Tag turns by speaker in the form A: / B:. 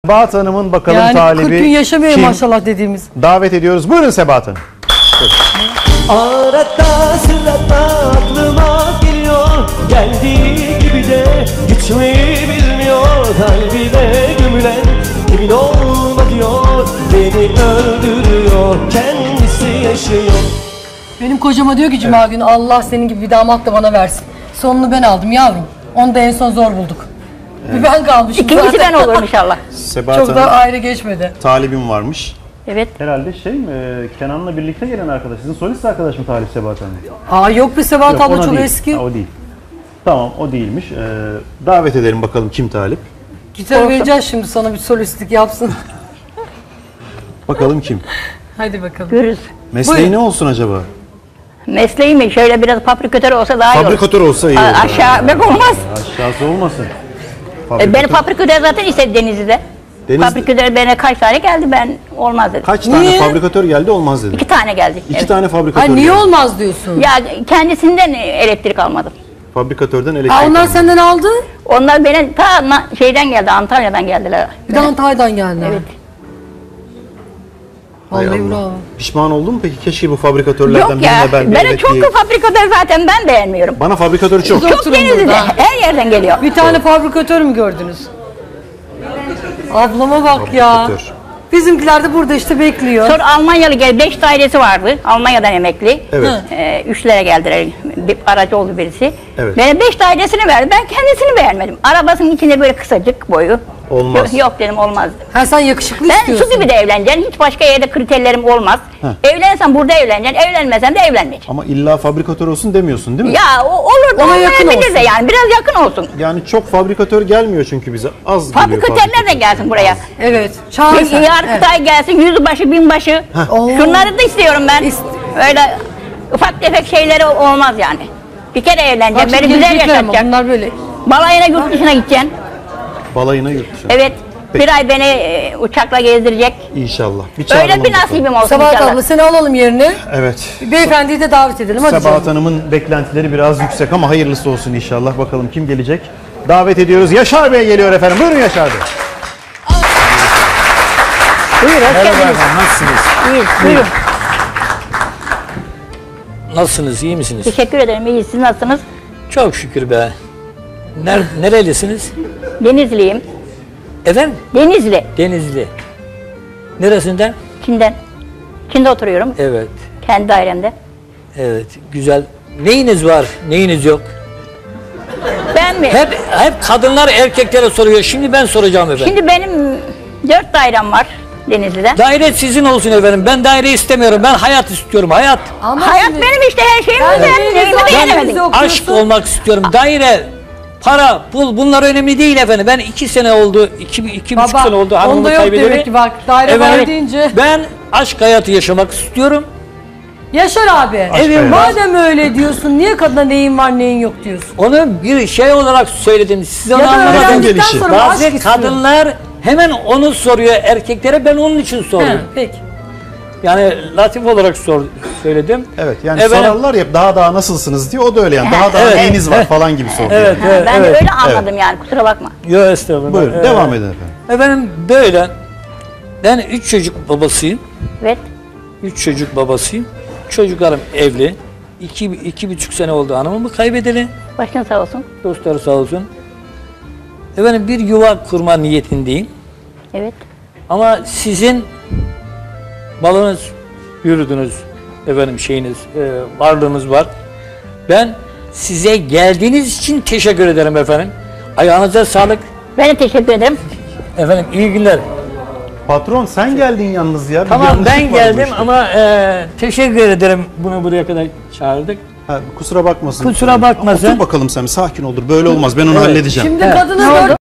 A: Sebahat Hanım'ın bakalım
B: Yani
A: talibi
B: 40 gün yaşamıyor
A: kim?
B: maşallah dediğimiz.
A: Davet ediyoruz. Buyurun Sebahat Hanım.
C: Arada sırada aklıma geliyor, geldiği gibi de gitmeyi bilmiyor. Kalbine gömülen kimin olma diyor, beni öldürüyor, kendisi yaşıyor.
B: Benim kocama diyor ki Cuma günü Allah senin gibi bir damat da bana versin. Sonunu ben aldım yavrum. Onu da en son zor bulduk. Bir ben kalmışım
D: İkincisi
B: zaten.
D: ben olurum inşallah.
A: Sebahat
B: Çok da
A: Hanım
B: ayrı geçmedi.
A: talibim varmış.
D: Evet.
A: Herhalde Kenan'la birlikte gelen arkadaş. Sizin solist arkadaş mı talip Sebahat Hanım?
B: Aa yok be Sebahat
A: Yok,
B: abla
A: ona
B: çok
A: değil.
B: eski.
A: Ha, o değil. Tamam o değilmiş. Davet edelim bakalım kim talip.
B: Gitar vereceğiz şimdi sana bir solistlik yapsın.
A: Bakalım kim?
B: Hadi bakalım.
D: Görürüz.
A: Mesleği
B: Buyurun.
A: ne olsun acaba?
D: Mesleği mi? Şöyle biraz fabrikatör olsa daha iyi olur.
A: Fabrikatör olsa iyi olur.
D: Aşağı bek olmaz.
A: Aşağısı olmasın.
D: Beni fabrikatör zaten istedi Denizli'de. Fabrikatör bana kaç tane geldi, ben olmaz dedim.
A: Kaç tane
B: Niye?
A: fabrikatör geldi olmaz dedi.
D: 2 tane geldi.
A: İki
D: Evet.
A: tane fabrikatör
B: Ay niye
A: geldi.
B: olmaz diyorsun?
D: Ya kendisinden elektrik almadım.
A: Fabrikatörden elektrik
B: Aa, onlar
A: alındı.
B: senden aldı.
D: Onlar bana şeyden geldi, Antalya'dan geldiler.
B: Bir de Antalya'dan geldi.
D: Evet.
A: Hay
B: Vallahi
A: Allah.
B: bravo.
A: Pişman oldun mu peki? Keşke bu fabrikatörlerden
D: Yok ya,
A: birine ben bir
D: bana
A: evet
D: çok
A: diyeyim.
D: fabrikatör zaten, ben beğenmiyorum.
A: Bana fabrikatörü çok.
B: Biz
D: Çok
B: oturun
D: Denizli'de,
B: burada.
D: her yerden geliyor.
B: Bir tane fabrikatör mü gördünüz? Ablama bak ya.
A: Fabrikatör.
B: Bizimkiler de burada işte bekliyor.
D: Sonra Almanyalı geldi, 5 dairesi vardı. Almanya'dan emekli.
A: Evet.
D: 3'lere geldiler, bir aracı oldu birisi.
A: Evet.
D: Bana 5 dairesini verdi, ben kendisini beğenmedim. Arabasının içinde böyle kısacık boyu.
A: Olmaz.
D: Yok dedim, olmaz.
B: Ha sen yakışıklı
D: Ben
B: istiyorsun.
D: su gibi de evleneceğim, hiç başka yerde kriterlerim olmaz. Evlensem burada evleneceksin, evlenmesem de evlenmeyeceğim.
A: Ama illa fabrikatör olsun demiyorsun değil mi?
D: Ya olur da
B: Ona yakın
D: olmayabilir
B: olsun.
D: de, yani biraz yakın olsun.
A: Yani çok fabrikatör gelmiyor çünkü bize. Az geliyor
D: Fabrikatörler de gelsin buraya.
B: Evet. Çağır sen.
D: Yargıtay gelsin, yüzbaşı, binbaşı.
B: Oo.
D: Şunları da istiyorum ben. Öyle ufak tefek şeyleri olmaz yani. Bir kere evleneceğim,
B: Bak
D: beni
B: şimdi
D: güzel
B: gelecekler ama
D: yaşatacaksın.
B: bunlar böyle.
D: Balayına, yurt dışına gideceksin.
A: Balayına yurt dışına.
D: Evet.
A: Peki.
D: Bir ay beni uçakla gezdirecek.
A: İnşallah. Bir
D: Öyle
A: çağıralım
D: bir
A: bakalım.
D: nasibim olsun
B: Sebahat
D: inşallah.
B: abla seni alalım yerine.
A: Evet.
B: Beyefendiyi de davet edelim. Hadi
A: Sebahat
B: canım.
A: Hanım'ın beklentileri biraz yüksek ama hayırlısı olsun inşallah. Bakalım kim gelecek? Davet ediyoruz. Yaşar Bey geliyor efendim. Buyurun Yaşar Bey.
D: Buyur, hoş
E: Merhaba
D: geldiniz.
E: efendim, nasılsınız?
D: İyiyiz, buyurun.
E: Nasılsınız, iyi misiniz?
D: Teşekkür ederim, iyiyiz. Siz nasılsınız?
E: Çok şükür be. Nerelisiniz?
D: Denizliyim.
E: Efendim?
D: Denizli,
E: Denizli. Neresinden?
D: Çin'den. Çin'de oturuyorum,
E: Evet,
D: kendi dairemde.
E: evet, güzel. Neyiniz var, neyiniz yok?
D: Ben mi?
E: Hep kadınlar erkeklere soruyor. Şimdi ben soracağım efendim.
D: Şimdi benim 4 dairem var Denizli'de.
E: Daire sizin olsun efendim. Ben daire istemiyorum. Ben hayat istiyorum, hayat.
B: Ama
D: Hayat
B: şimdi-
D: benim işte, her şeyimi
B: Ben de
D: beğendim, neyimi
B: zaten
D: beğenemedim.
B: bizi okuyorsun.
E: Aşk olmak istiyorum. Daire, para, pul bunlar önemli değil efendim. Ben 2 sene oldu, 2,5
B: Baba,
E: sene oldu hanımımı
B: onda yok
E: kaybedeli.
B: demek ki bak. Daire var deyince.
E: Ben aşk hayatı yaşamak istiyorum.
B: Yaşar abi.
A: hayatı.
B: Madem öyle diyorsun niye kadına neyin var neyin yok diyorsun?
E: Onu bir şey olarak söyledim. Siz onu
B: Ya da
E: anlamadınız.
B: öğrendikten
A: gelişi.
B: sonra aşk
E: Bazı
B: istiyor.
E: kadınlar hemen onu soruyor erkeklere, ben onun için
B: He,
E: soruyorum.
B: peki.
E: Yani latif olarak söyledim.
A: Evet yani
E: Efendim?
A: sorarlar ya daha nasılsınız diye o da öyle yani. Daha
E: Evet.
A: neyiniz var falan gibi soruyor.
E: Evet,
D: Ha,
E: evet,
D: ben de
E: evet.
D: öyle anladım yani, kusura bakma.
E: Yok estağfurullah.
A: Buyurun devam edin efendim.
E: Efendim böyle, ben 3 çocuk babasıyım.
D: Evet.
E: 3 çocuk babasıyım. Çocuklarım evli. 2,5 sene oldu hanımımı kaybedeli.
D: Başın sağ olsun.
E: Dostları sağ olsun. Efendim bir yuva kurma niyetindeyim.
D: Evet.
E: Ama sizin malınız, yürüdünüz, efendim şeyiniz, varlığınız var. Ben size geldiğiniz için teşekkür ederim efendim. Ayağınıza sağlık.
D: Ben de teşekkür ederim.
E: Efendim iyi günler.
A: Patron sen geldin yalnız ya. Bir
E: Tamam
A: yanlışlık
E: ben
A: var bu
E: geldim
A: işte.
E: ama teşekkür ederim bunu buraya kadar çağırdık.
A: Ha, kusura bakmasın.
E: Kusura bakmasın.
A: Otur bakalım sen sakin olur. Böyle olmaz. Ben onu halledeceğim.
B: Şimdi
E: Evet.
B: kadının
D: Ne oldu?
B: dört